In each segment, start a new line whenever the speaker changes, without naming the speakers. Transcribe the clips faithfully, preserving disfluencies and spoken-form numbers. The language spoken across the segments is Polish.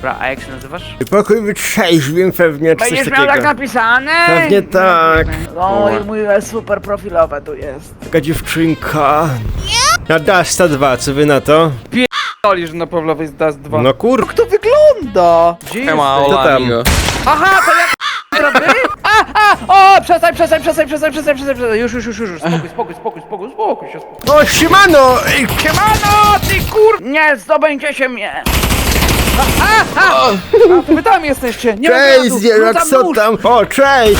Dobra, a jak się nazywasz?
Pokój wytrzeźwień pewnie, czy coś
Będziesz
takiego.
miał tak napisane?
Pewnie tak.
No i mój super profilowe tu jest.
Taka dziewczynka. Na Dasta dwa, co wy na to?
Olisz na Pawlowej z Dust dwa.
No kur...
Jak to wygląda? Gdzie
Ema,
jesteś?
To tam.
Olamigo.
Aha, to jak robię? A, a, o, przestań, przestań, przestań, przestań, przestań, przestań, przestań. Już, już, już, już, już. Spokój, spokój, spokój, spokój, spokój się, spokój.
No siemano! Ej,
Siemano, ty kur... Nie zdobędziecie mnie. A, a, a, a to wy tam jesteście. Nie
Cześć,
ma
Zierak,
tam
co
nóż.
tam? O, cześć!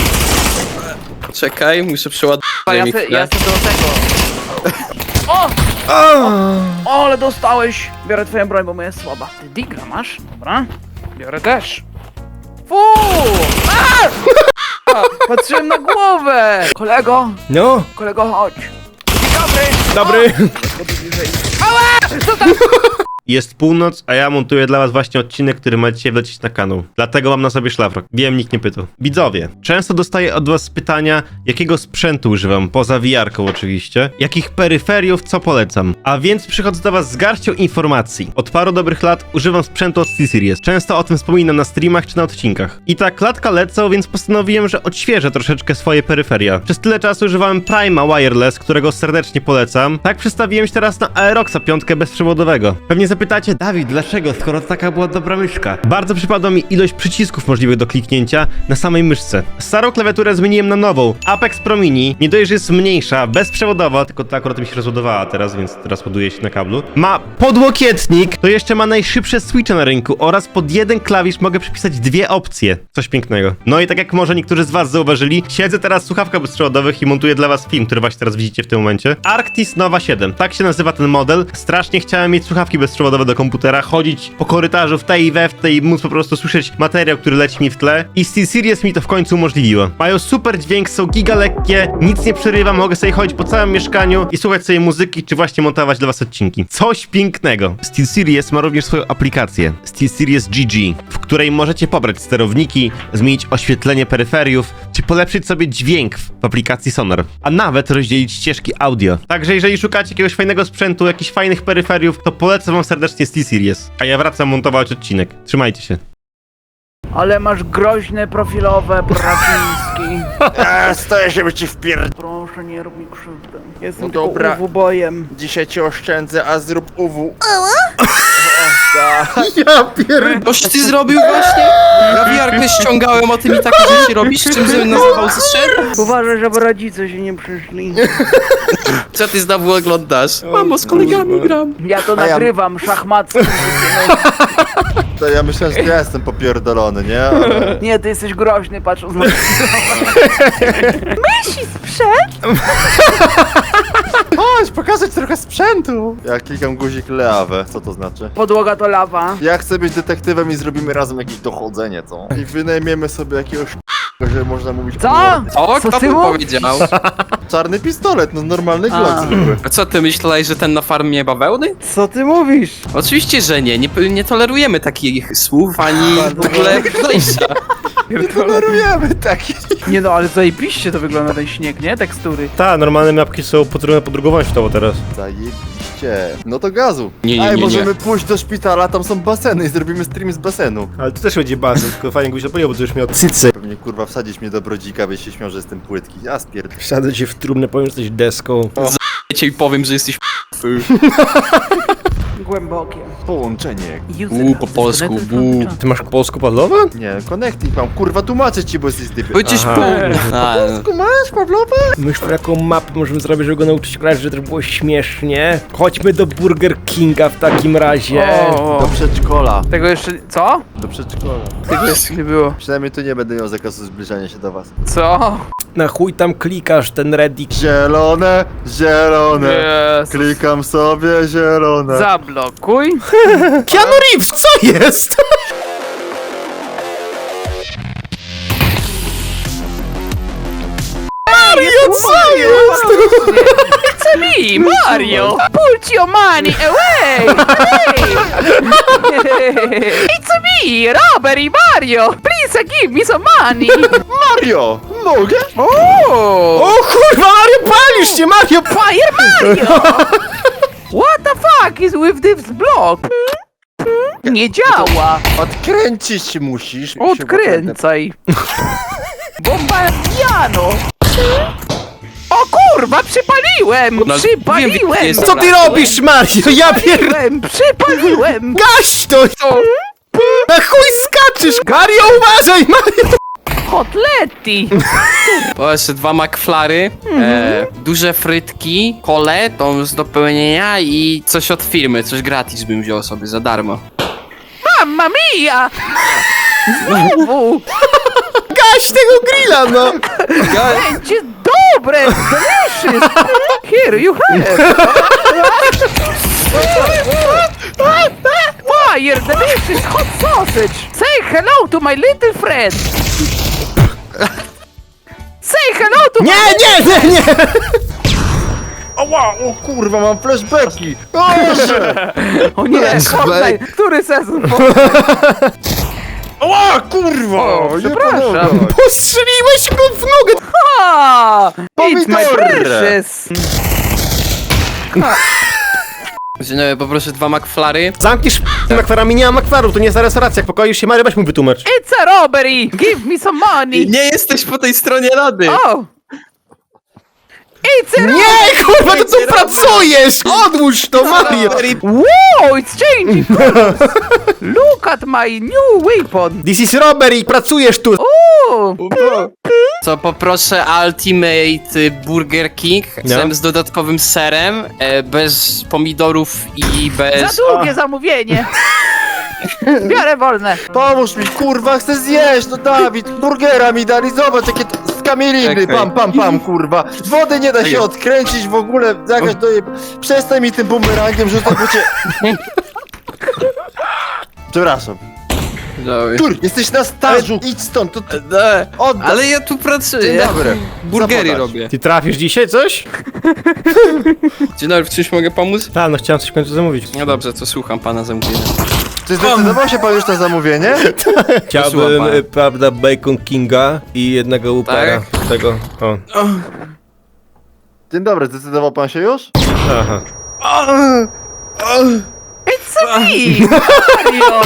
Czekaj, muszę przeładować.
A ja
mi
se,
chwilę.
ja se do tego. O!
O!
O, ale dostałeś! Biorę twoją broń, bo moja jest słaba. Ty digra masz? Dobra. Biorę też. Fuu! A! A, patrzyłem na głowę! Kolego,
No,
kolego, chodź. Dzień dobry!
dobry.
Ała! Co tam?
Jest północ, a ja montuję dla was właśnie odcinek, który ma dzisiaj wlecieć na kanał. Dlatego mam na sobie szlafrok. Wiem, nikt nie pytał. Widzowie, często dostaję od was pytania, jakiego sprzętu używam, poza V R-ką oczywiście, jakich peryferiów, co polecam. A więc przychodzę do was z garścią informacji. Od paru dobrych lat używam sprzętu od SteelSeries. Często o tym wspominam na streamach czy na odcinkach. I tak latka lecą, więc postanowiłem, że odświeżę troszeczkę swoje peryferia. Przez tyle czasu używałem Prima Wireless, którego serdecznie polecam. Tak przestawiłem się teraz na Aeroxa piątkę bezprzewodowego. Pewnie zapytacie, Dawid, dlaczego, skoro to taka była dobra myszka? Bardzo przypadła mi ilość przycisków możliwych do kliknięcia na samej myszce. Starą klawiaturę zmieniłem na nową, Apex Pro Mini. Nie dość, że jest mniejsza, bezprzewodowa, tylko ta akurat mi się rozładowała teraz, więc teraz ładuje się na kablu. Ma podłokietnik, to jeszcze ma najszybsze switche na rynku oraz pod jeden klawisz mogę przypisać dwie opcje. Coś pięknego. No i tak jak może niektórzy z was zauważyli, siedzę teraz w słuchawkach bezprzewodowych i montuję dla was film, który właśnie teraz widzicie w tym momencie. Arctis Nova siedem, tak się nazywa ten model. Strasznie chciałem mieć słuchawki bezprzewodowe do komputera, chodzić po korytarzu w tej i we w tej i móc po prostu słyszeć materiał, który leci mi w tle. I SteelSeries mi to w końcu umożliwiło. Mają super dźwięk, są giga lekkie, nic nie przerywa, mogę sobie chodzić po całym mieszkaniu i słuchać sobie muzyki, czy właśnie montować dla was odcinki. Coś pięknego. SteelSeries ma również swoją aplikację SteelSeries G G, w której możecie pobrać sterowniki, zmienić oświetlenie peryferiów, czy polepszyć sobie dźwięk w aplikacji Sonar, a nawet rozdzielić ścieżki audio. Także jeżeli szukacie jakiegoś fajnego sprzętu, jakichś fajnych peryferiów, to polecam wam serdecznie SteelSeries. A ja wracam montować odcinek. Trzymajcie się.
Ale masz groźne profilowe, Braciński.
Eee, stoję, żeby ci wpierd...
Proszę, nie rób mi krzywdy. Jestem
No
tylko
dobra.
uwu-bojem.
Dzisiaj cię oszczędzę, a zrób U W.
Ja pierdolę.
Coś ty zrobił właśnie? Ja V R-kę ściągałem, a ty mi takie rzeczy robisz? Czym żebym nazywał zszedł?
Uważaj, żeby rodzice się nie przyszli.
Co ty znowu oglądasz? Mamo, z kolegami gram.
Ja to
A ja-
nagrywam, szachmacki.
To ja myślałem, że ja jestem popierdolony, nie? Ale...
Nie, ty jesteś groźny, patrząc na...
Chodź, pokazać trochę sprzętu! Ja klikam guzik Leawę, co to znaczy?
Podłoga to lawa.
Ja chcę być detektywem i zrobimy razem jakieś dochodzenie, co? I wynajmiemy sobie jakiegoś że można mówić...
Co?
O,
Co
kto
ty
to
mówisz?
powiedział?
Czarny pistolet, no normalny
A.
glock zwykły.
A co, ty myślałeś, że ten na farmie bawełny?
Co ty mówisz?
Oczywiście, że nie. Nie, nie tolerujemy takich słów, ani w ogóle podejścia.
Nie tolerujemy takich.
Nie no, ale zajebiście to wygląda ten śnieg, nie? Tekstury.
Ta, normalne mapki są potrójne podrugowanie światowo teraz.
Zajebiście. No to gazu.
Nie, nie,
Ej,
nie, nie.
możemy pójść do szpitala, tam są baseny i zrobimy stream z basenu.
Ale to też będzie basen, tylko fajnie gdybyś zapomniał, bo to już miał cycy.
Pewnie kurwa wsadzić mnie do brodzika, byś się śmiał, że jestem płytki. Ja spierd...
Wsadzę cię w trumnę, powiem, że jesteś deską.
Cię i powiem, że jesteś
Głębokie.
Połączenie.
Uuu, po polsku, bu.
Ty masz polsku padlowe?
Nie, connecting mam, kurwa tłumaczę ci, bo jesteś typy.
Będziesz
Aha.
pół. A,
Polsku masz, Pawlowa?
Myśl, jaką mapę możemy zrobić, żeby go nauczyć grać, żeby też było śmiesznie. Chodźmy do Burger Kinga w takim razie.
O,
Do przedszkola.
tego jeszcze... Co?
Do przedszkola.
Tego jeszcze nie było.
Przynajmniej tu nie będę miał zakazu zbliżania się do was.
Co?
Na chuj tam klikasz, ten Reddit.
Zielone, zielone.
Jezus.
Klikam sobie zielone.
Zablokuj.
Keanu Reeves, co jest?
Mario, co jest? It's me, Mario! Put your money away! Hey. It's me, Robert i Mario! Please give me some money!
Mario, mogę?
Oh!
O kurwa, Mario, palisz się, Mario!
Fire Mario! What the fuck is with this block? Nie działa!
Odkręcić musisz.
Odkręcaj! Bombardiano! O kurwa, przypaliłem!
No,
Przypaliłem!
wiem, jest-
Co ty robisz, Mario? Ja pier...
Przypaliłem! Przypaliłem!
Gaś to! Na chuj skaczesz! Mario, uważaj, Mario!
Kotletti!
O, jeszcze dwa McFlary, e, duże frytki, kole, to z dopełnienia i coś od firmy, coś gratis bym wziął sobie za darmo.
Mamma mia! Znowu!
Gaś tego grilla, no!
Będzie dobre! Delicious! Here you have! Fire delicious hot sausage! Say hello to my little friend! Say hello to
Nie, nie, nie, nie!
Ała, o kurwa, mam flashbacki. O Boże!
O nie,
Flashback.
Fortnite! Który sezon?
Ała, kurwa!
O,
nie
przepraszam.
pomogę.
Postrzeliłeś go w nogę!
Ah, it's my
Pomidor.
precious!
Dzień dobry, poproszę dwa McFlary.
Zamkniesz makwarami, nie ma makwarów, to nie jest na restauracjach, pokoju się Mario, weź mu wytłumacz.
It's a robbery! Give me some money!
Nie jesteś po tej stronie rady!
Oh! It's a robbery!
Nie, kurwa, to tu pracujesz! Odłóż to, Mario!
Wow, it's changing colors! Look at my new weapon!
This is robbery, pracujesz tu!
Ooh!
Co, poproszę Ultimate y, Burger King
No.
z dodatkowym serem, e, bez pomidorów i bez...
Za długie zamówienie! Biorę wolne!
Pomóż mi, kurwa, chcę zjeść, no Dawid, burgera mi dali, zobacz, jakie t- z kamieliny,
Czekaj.
pam, pam, pam, kurwa. Wody nie da się odkręcić w ogóle, jakaś to je... Przestań mi tym bumerangiem rzucać, bo cię... Przepraszam.
Dobry.
Tur, jesteś na stażu, idź stąd, to ty...
E,
Oddaj.
Ale ja tu pracuję.
Dzień dobry.
Burgery
Zapodać.
robię.
Ty trafisz dzisiaj coś?
Dzień dobry, w czymś mogę pomóc?
Tak, no chciałem coś w końcu zamówić.
No dobrze, to słucham pana zamówienia.
Czy zdecydował się pan już na zamówienie?
Chciałbym,
Posłucham.
y, prawda, Bacon Kinga i jednego upera. Tego, o.
Dzień dobry, zdecydował pan się już?
Aha.
It's a me! Mario!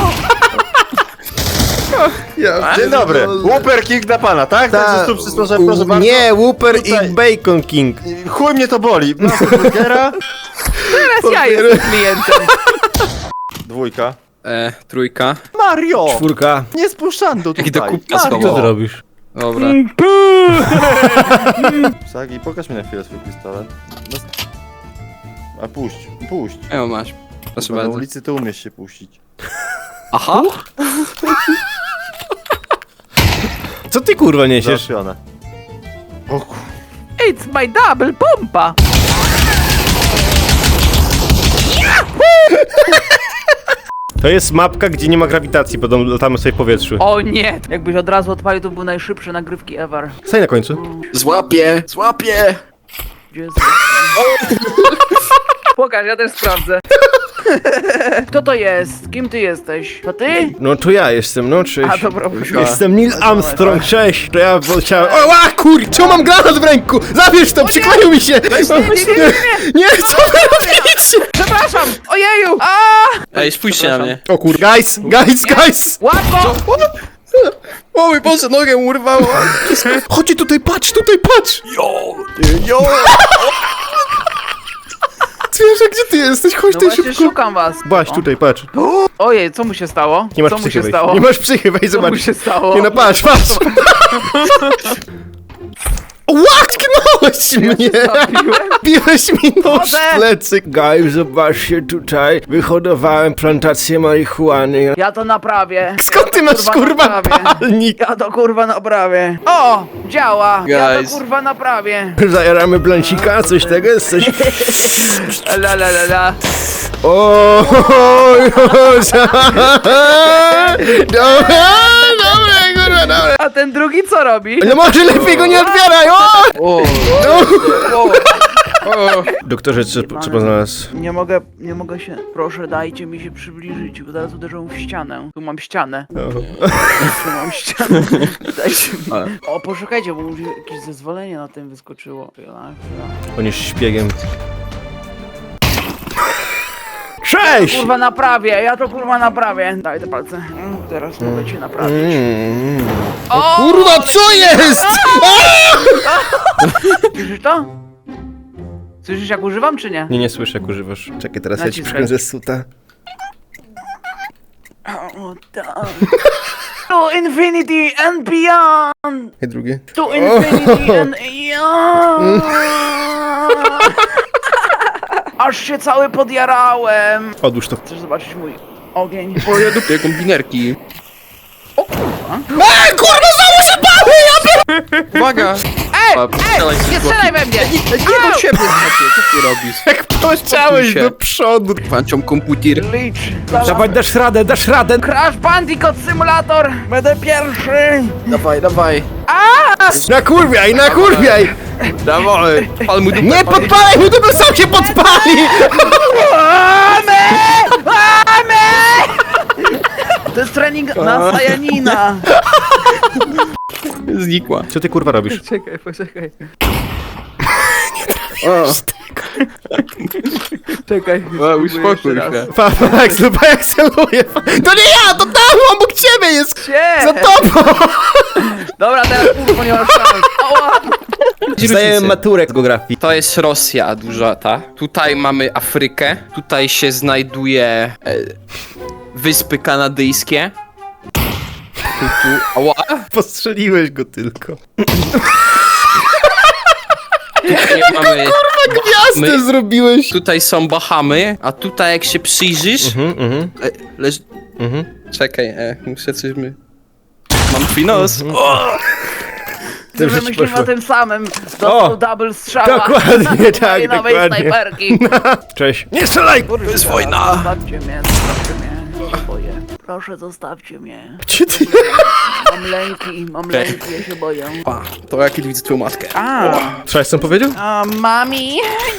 Dzień dobry, Whopper King dla pana, tak? Także tu przysłużę, proszę bardzo.
Nie, Whopper
Tutaj.
i Bacon King.
Chuj mnie to boli, masz tu burgera.
Teraz ja jestem klientem!
Dwójka.
E, trójka.
Mario!
Czwórka.
Nie spuszczando tutaj.
Jak do kubka
Mario!
Co ty robisz?
Dobra.
Sagi, pokaż mi na chwilę swój pistolet. No... A puść, puść.
E, masz. Proszę
Bo na
bardzo.
ulicy ty umiesz się puścić.
Aha!
Co ty kurwa niesiesz?
Załatwione. O kur...
It's my double pompa!
To jest mapka, gdzie nie ma grawitacji, bo latamy sobie w powietrzu.
O nie! Jakbyś od razu odpalił, to był najszybszy nagrywki ever.
Staj na końcu.
Złapię! Złapię!
Gdzie jest... Pokaż, ja też sprawdzę. Kto to jest? Kim ty jesteś? To ty?
No to ja jestem, no cześć.
A dobra,
Jestem Neil Armstrong, cześć. To ja chciałem... O, a kur... Czemu mam granat w ręku? Zabierz to, przykleił mi się!
nie, nie, nie,
Nie, co wy robicie?
Przepraszam! Ojeju! A!
Ej, spójrzcie na mnie.
O kur... Guys, guys, guys!
Łatwo!
O mój Boże, nogę mu urwało!
Chodźcie tutaj, patrz, tutaj, patrz!
Jo!
Zwierzę, gdzie ty jesteś? Chodź
No
tutaj
właśnie
szybko.
szukam was.
Baś, tutaj, patrz.
Ojej, co mu się stało?
Nie masz
co mu
psychy,
się
weź.
stało?
Nie masz psychy, weź,
Co mu
zobacz.
się stało?
Nie no, patrz, patrz! Łaknąłeś mnie!
Zabiłem?
Biłeś mi nóż
Chodzę!
w plecy. Guys, zobaczcie tutaj. Wyhodowałem plantację marihuany.
Ja to naprawię.
Skąd ty masz,
Kurwa,
kurwa,
naprawię.
palnik?
Ja to kurwa naprawię. O! Działa! Ja to
Guys.
kurwa naprawię.
Zajaramy blancika, coś tego jest, coś...
La la la la.
O, oj, oj, Dobra, dobra, kurwa, dobra.
A ten drugi co robi?
No może lepiej go nie odbieraj, o!
O, o, o.
Doktorze, co, co pan znalazł?
Nie mogę, nie mogę się... Proszę, dajcie mi się przybliżyć, bo zaraz uderzą w ścianę. Tu mam ścianę. Tu mam ścianę. Dajcie mi... O, poszukajcie, bo może jakieś zezwolenie na tym wyskoczyło. Chwila, chwila.
On jest szpiegiem. Sześć!
Kurwa naprawię, ja to kurwa naprawię. Daj te palce. Mm, Teraz mogę cię naprawić.
Mm.
O,
Kurwa, co jest?
Słyszysz to? Słyszysz jak używam czy nie?
Nie, nie słyszę jak używasz. Czekaj, teraz ja ci
Naciskaj.
przykręcę suta.
O, tak. To infinity and beyond!
I drugie.
To infinity and beyond! Aż się cały podjarałem!
Odłóż to.
Chcesz zobaczyć mój ogień?
O, ja dupię kombinerki.
O kurwa!
A, kurwa, znowu się bały!
Uwaga!
Ej!
A,
Ej!
strzelaj się
Nie
z boku.
strzelaj we mnie!
Nie do siebie, chłopie, co ty robisz?
Jak poleciałeś
się.
do przodu.
Włączam komputer.
Licz!
Dawaj, dasz radę, dasz radę.
Crash Bandicoot Simulator! Będę pierwszy!
Dawaj, dawaj.
Nakurwiaj, nakurwiaj!
Dawaj. Pal mu dupę.
Nie podpalaj mu, to by sam się podpali!
Amy! Amy! To jest trening na Sajanina!
Znikła.
Co ty kurwa robisz?
Czekaj, poczekaj.
O,
Czekaj.
o uspokój się.
Pa, pa, jak pa, jak celuje. To nie ja, to tam, obok ciebie jest!
Cie!
Za tobą!
Dobra, teraz kurwa nie masz szans. Ała!
Zdaję maturę z geografii.
To jest Rosja duża, ta. Tutaj mamy Afrykę. Tutaj się znajduje e, Wyspy Kanadyjskie. Tu, tu. Ała.
Postrzeliłeś go tylko.
Tutaj mamy
Gwiazdę
My-
zrobiłeś!
Tutaj są Bahamy, a tutaj jak się przyjrzysz...
Mhm, mhm,
E, leż...
mhm.
Czekaj, e, muszę coś my... Mam twój nos. O!
Dobrze
Że
ci
myślimy
poszło.
o tym samym.
O!
Dostał double strzała.
Dokładnie, tak,
Mojej nowej
dokładnie.
snajperki.
Cześć. Nie strzelaj!
Kurwa,
jest wojna.
Zostawcie mnie, zostawcie mnie. Ja się boję. Proszę, zostawcie mnie.
Gdzie ty?
Mam lęki, mam lęki, ja się boję.
Pa, to jak widzę twoją matkę.
A,
Słyszałeś co on powiedział?
a mami?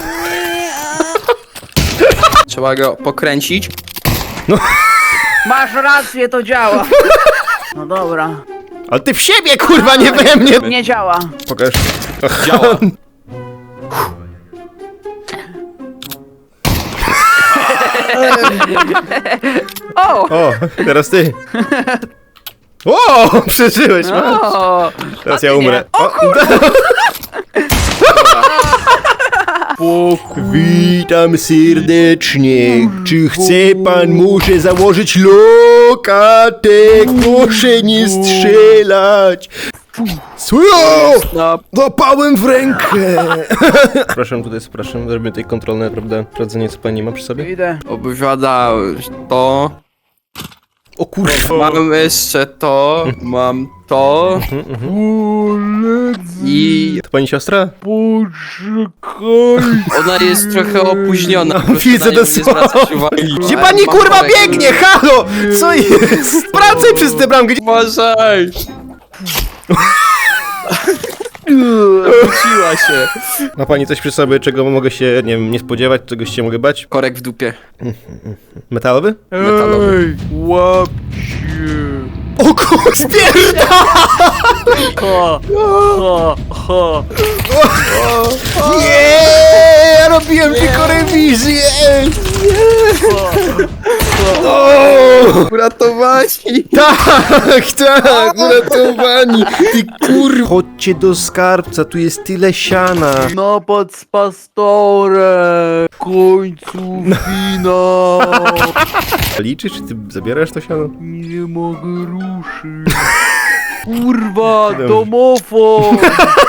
Trzeba go pokręcić.
Masz rację, to działa. No dobra.
Ale ty w siebie, kurwa, nie we mnie!
Nie działa.
Pokaż.
Działa.
O!
O, teraz ty. O, przeżyłeś, masz.
O!
Teraz ja umrę. O, Witam serdecznie. Czy chce pan może założyć lokatek? Proszę nie strzelać. Co?
No,
Zapałem w rękę. Przepraszam, tutaj przepraszam, zrobimy tutaj kontrolne, prawda? Sprawdzenie, co pani ma przy sobie.
Idę.
opowiada to.
O kurwa.
Mam jeszcze to. Mam to. I
To pani siostra?
ona jest trochę opóźniona.
No,
proszę
widzę
na nią nie
dosłownie.
zwracać uwagi.
Gdzie
Ale
pani
mam
kurwa
korek.
biegnie? Halo! Co jest? Wracaj przez tę bramkę. Gdzie-
Uważaj! Wróciła się.
Ma pani coś przy sobie, czego mogę się, nie wiem, nie spodziewać, czegoś się mogę bać?
Korek w dupie.
Metalowy?
Metalowy.
O kur... Spierda!
Ho, ho, ho.
Nie! Ja robiłem tylko rewizję! O!
Uratowani!
Tak, tak, uratowani! Ty kur... Chodźcie do skarbca, tu jest tyle siana.
Napad z pastorem. W końcu finał.
Liczy, czy ty zabierasz to siano?
Nie mogę ruszyć. Kurwa, domofon.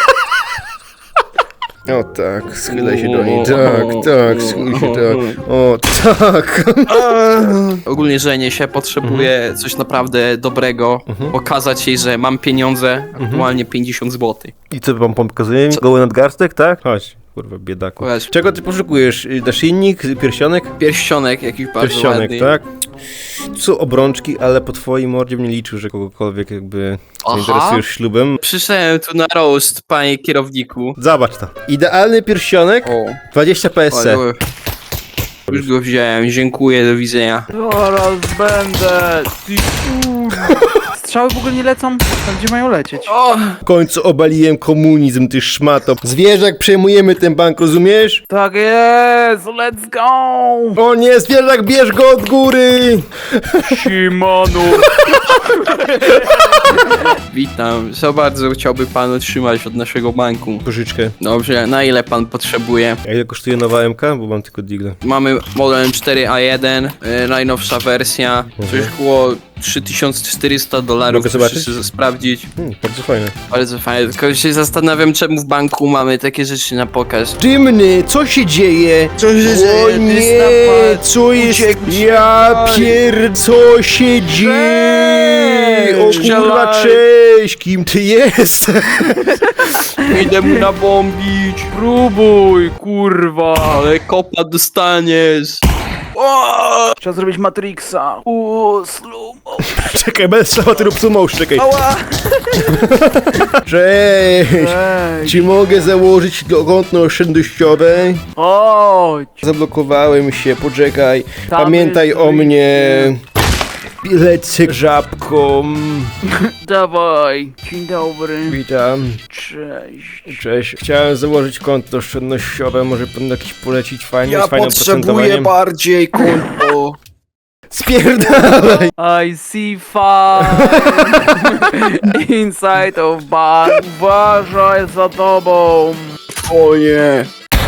O tak, schylaj się do niej, tak, tak, schylaj się tak, o tak.
Ogólnie żenię się, potrzebuję coś naprawdę dobrego. Pokazać jej, że mam pieniądze, aktualnie pięćdziesiąt złotych.
I co wam pokazuję? Goły nadgarstek, tak? Chodź, kurwa, biedaku.
Chodź.
Czego ty poszukujesz? Y, Naszyjnik, pierścionek?
Pierścionek jakiś bardzo
Pierścionek,
ładny.
tak? Co obrączki, ale po twojej mordzie bym nie liczył, że kogokolwiek jakby
Aha.
zainteresujesz ślubem.
Przyszedłem tu na roast, panie kierowniku.
Zobacz to. Idealny pierścionek,
O,
dwadzieścia P S C.
ale- już go wziąłem, dziękuję, do widzenia.
Zaraz będę. Ty kurwa. strzały w ogóle nie lecą? Tam gdzie mają lecieć?
O!
W końcu obaliłem komunizm, ty szmato. Zwierzak, przejmujemy ten bank, rozumiesz?
Tak jest, let's go!
O nie, zwierzak, bierz go od góry!
Simonu!
Witam. Co bardzo chciałby pan otrzymać od naszego banku?
Pożyczkę.
Dobrze, na ile pan potrzebuje?
A ile kosztuje nowa M K? Bo mam tylko Digla.
Mamy model cztery A jeden, yy, najnowsza wersja, coś koło trzy tysiące czterysta dolarów.
Mogę zobaczyć?
Muszę sobie sprawdzić.
Hmm, bardzo fajne.
Bardzo fajnie, tylko się zastanawiam, czemu w banku mamy takie rzeczy na pokaz.
Dymny, co się dzieje?
Co się
O
dzieje?
nie, co jest? Ja pier... co się dzieje? O kurwa,
Strzelaj.
cześć, kim ty jest?
Idę mu nabombić,
Próbuj, kurwa!
ale kopa dostaniesz. O!
Trzeba zrobić Matrixa. Uuu, slumo.
Czekaj, bez strzała, ty rób sumo, czekaj.
Ała!
Cześć!
Ej,
Czy mogę założyć konto oszczędnościowe?
chodź!
Zablokowałem się, poczekaj.
Tam
Pamiętaj
jest
o
wyjście.
mnie. Lecę żabką.
Dawaj. Dzień dobry.
Witam.
Cześć.
Cześć. Chciałem założyć konto oszczędnościowe. Może pan jakiś polecić fajny,
Ja
z fajnym
potrzebuję
procentowaniem?
bardziej konto.
Spierdalaj!
I see fire inside of bar. Uważaj za tobą.
O nie.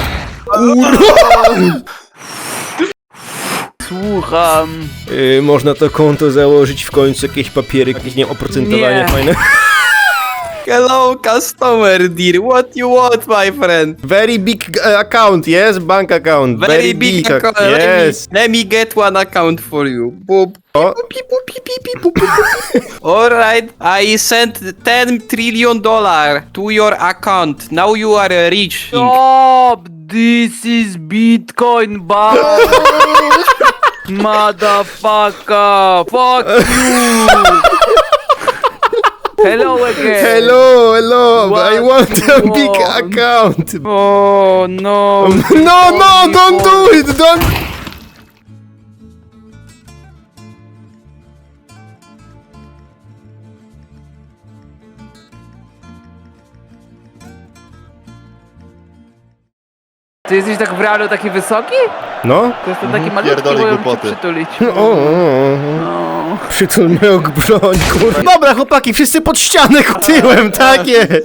Słucham.
Yy, można to konto założyć w końcu, jakieś papiery, jakieś nie wiem, oprocentowanie
Nie.
fajne.
Hello customer dear, what you want my friend?
Very big uh, account, yes? Bank account.
Very, big, account,
ac-
let,
Yes.
me, let me get one account for you. Boop.
O,
Alright, I sent ten trillion dollar to your account. Now you are rich.
Stop! This is Bitcoin bar. Motherfucker! Fuck you! Hello again!
hello, hello,
What
I want
you
a big
want?
account.
Oh no!
No, no, don't do it, don't...
Ty jesteś tak w realu taki wysoki?
No?
To jestem taki malutki,
pierdolę
bo ja cię
głupoty.
przytulić.
O, o, o.
No.
Przytul moją broń, kurwa. Dobra, chłopaki, wszyscy pod ścianę tyłem, tak jest.